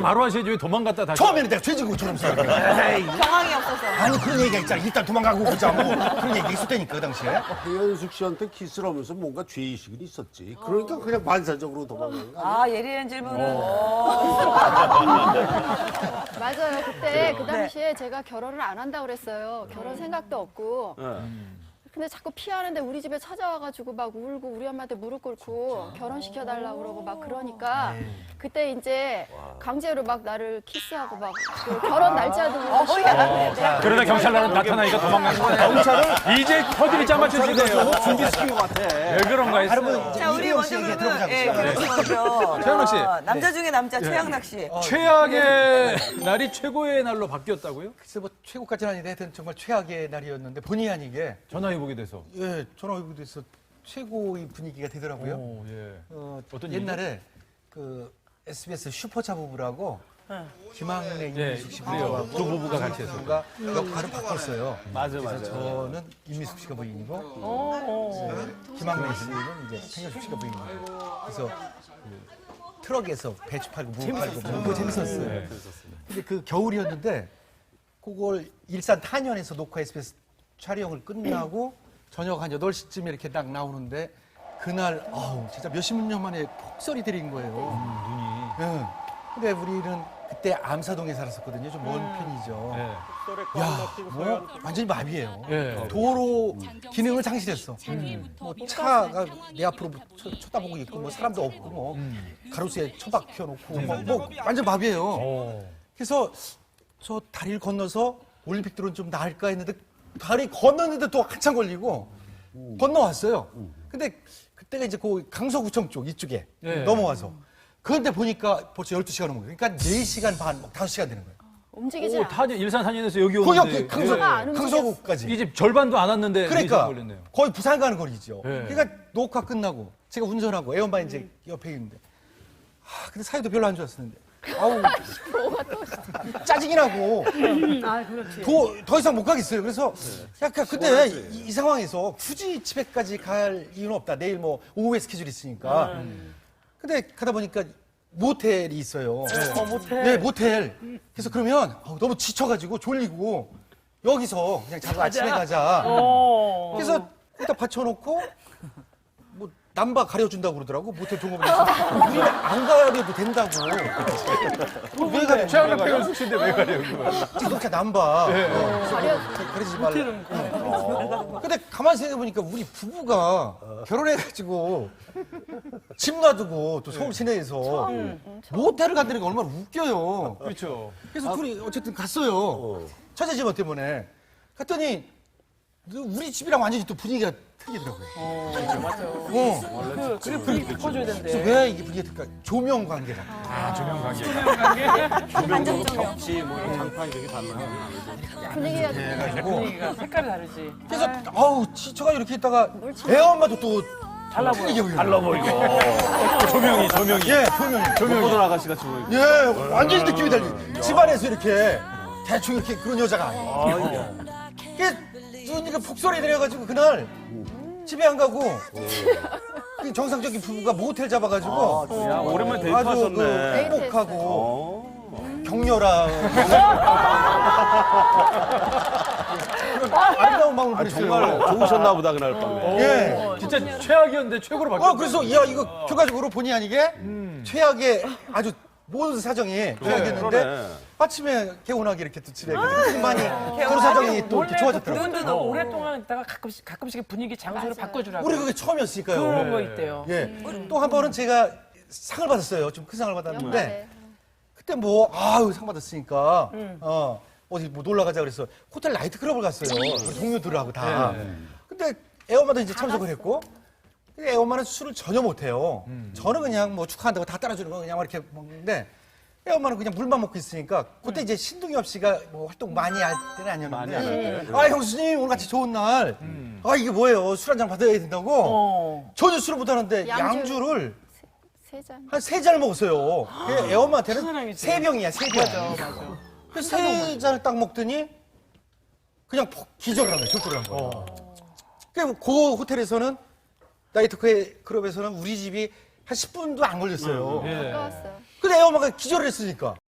바로 하셔야지 왜 도망갔다 다시. 처음에는 내가 죄지고처럼 써. 경황이 없어서. 아니 그런 얘기가 있잖아. 일단 도망가고 보자 뭐 그런 얘기 있었다니까 그 당시에. 배현숙 씨한테 키스를 하면서 뭔가 죄의식이 있었지. 그러니까 그냥 반사적으로 도망간 거 아니야? 아, 예리한 질문은. 맞아요. 그때 그 당시에 제가 결혼을 안 한다고 그랬어요. 결혼 생각도 없고. 근데 자꾸 피하는데 우리 집에 찾아와가지고 막 울고 우리 엄마한테 무릎 꿇고 결혼시켜달라고 그러고 막 그러니까 그때 이제 강제로 막 나를 키스하고 막 그 결혼 날짜도 그러다 경찰 나타나니까 도망간 거야. 경찰을 이제 허들이 짜맞춰주세요. 준비시킨 것 같아. 왜 그런가 했어. 여러분 이제 자, 우리 이리영 먼저 씨 얘기 그러면, 들어보자. 예, 교육 씨 먼저. 최양락 씨. 남자 중에 남자, 최양락 씨. 최악의 날이 최고의 날로 바뀌었다고요? 글쎄 뭐 최고까지는 아닌데 하여튼 정말 최악의 날이었는데 본의 아니게 전화해보게 돼서. 예 전화 오고 돼서 최고의 분위기가 되더라고요. 오, 예. 어떤 옛날에 그 SBS 슈퍼차 부부라고 김학래 임미숙 씨 그래요. 두 부부가 같이 해서. 부부가 역할을 바꿨어요. 맞아, 그래서 맞아. 저는 임미숙 씨가 부인이고 김학래 씨는 이제 생현숙 씨가 부인이고 그래서 그 트럭에서 배추 팔고 무 팔고 그거 재밌었어요. 근데 그 겨울이었는데 그걸 일산 탄현에서 녹화 SBS 촬영을 끝나고 저녁 한 8시쯤에 이렇게 딱 나오는데 그날 진짜 몇십 년 만에 폭설이 내린 거예요. 눈이. 예. 근데 우리는 그때 암사동에 살았었거든요. 좀 먼 편이죠. 예. 야, 뭐 완전히 마비예요. 예. 도로 기능을 상실했어. 뭐 차가 내 앞으로 쳐다보고 있고 뭐 사람도 없고 뭐 가로수에 처박혀 놓고 뭐 완전 마비예요. 그래서 저 다리를 건너서 올림픽 들어온 좀 나을까 했는데 다리 건너는데 또 한참 걸리고 건너왔어요. 근데 그때가 이제 그 강서구청 쪽 이쪽에 네. 넘어와서 그런데 보니까 벌써 12시간 넘은 거예요. 그러니까 4시간 반, 5시간 되는 거예요. 움직이지 오, 않아. 일산 산인에서 여기 거기 오는데. 강서구까지. 이 집 절반도 안 왔는데. 그러니까 4시간 걸렸네요. 거의 부산 가는 거리죠. 네. 그러니까 녹화 끝나고 제가 운전하고 애엄마 이제 옆에 있는데 근데 사이도 별로 안 좋았었는데 아우 짜증이 나고 더 이상 못 가겠어요. 그래서 약간 근데 이 상황에서 굳이 집에까지 갈 이유는 없다. 내일 뭐 오후에 스케줄이 있으니까. 근데 가다 보니까 모텔이 있어요. 모텔. 네, 모텔. 그래서 그러면 너무 지쳐가지고 졸리고 여기서 그냥 자고 아침에 가자. 그래서 거기다 받쳐놓고 뭐 남바 가려준다고 그러더라고 모텔 종업원에서 우리는 안 가려도 된다고. 왜 가려? 최악의 배현숙 씨인데 왜 가려고. 자동차 남바 가리지 말라. 근데 가만히 생각해보니까 우리 부부가 결혼해가지고 집 놔두고 또 서울 시내에서 모텔을 간다는 게 얼마나 웃겨요. 그렇죠. 그래서 둘이 어쨌든 갔어요. 처제 집 때문에. 갔더니 우리 집이랑 완전히 또 분위기가 틀리더라고요. 맞아요. 그래, 분위기 바꿔줘야 그래서 된대. 왜 이게 분위기가 틀릴까? 조명 관계다. 조명 관계. 반전 조명. 혹시 뭐 이런 장판 이렇게 달라요? 분위기가 해가지고. 분위기가 색깔이 다르지. 그래서 지쳐가 이렇게 있다가 애 엄마도 또 달라 보여. 달라 보이고. 조명이. 예, 조명이. 호돈 아가씨 같이 보이고. 예, 완전히 느낌이 달리. 집안에서 이렇게 대충 이렇게 그런 여자가 아니에요. 그러니까 폭설이 내려가지고 그날 집에 안 가고 그 정상적인 부부가 모텔 잡아가지고 야, 오랜만에 아주 데이트하셨네. 그 행복하고 격렬한 아름다운 마음을 보냈어요. 정말 좋으셨나 보다, 그날 밤에. 예. 진짜 최악이었는데 최고로 바뀌었어요. 그래서 야 이거 결과적으로 본의 아니게 최악의 아주 모든 사정이 최악이었는데 그러네. 아침에 개운하게 이렇게 또 집에 많이 서로 사정이 또 이렇게 좋아졌더라고요. 그분도 오랫동안 있다가 가끔씩 분위기 장소를 바꿔주라고 우리 그게 처음이었으니까요. 그런 거 있대요. 예. 또 한 번은 제가 상을 받았어요. 좀 큰 상을 받았는데 연말에. 그때 상 받았으니까 어디 뭐 놀러 가자 그래서 호텔 나이트클럽을 갔어요. 우리 동료들하고 다. 근데 애엄마도 이제 참석을 했고 근데 애엄마는 술을 전혀 못 해요. 저는 그냥 뭐 축하한다고 다 따라주는 거 그냥 이렇게 먹는데 애엄마는 그냥 물만 먹고 있으니까 그때 이제 신동엽 씨가 뭐 활동 많이 할 때는 아니었는데 형수님 오늘 같이 좋은 날 이게 뭐예요 술 한 잔 받아야 된다고 전혀 술을 못 하는데 양주를 세 잔. 한 3잔을 먹었어요. 애엄마한테는 사랑이지. 3병이야 3병. 그래서 3잔을 딱 먹더니 그냥 기절을 한 거예요. 절도를 한 거예요. 그 호텔에서는 나이트 클럽에서는 우리 집이 한 10분도 안 걸렸어요. 가까웠어요. 근데 애엄마가 기절을 했으니까.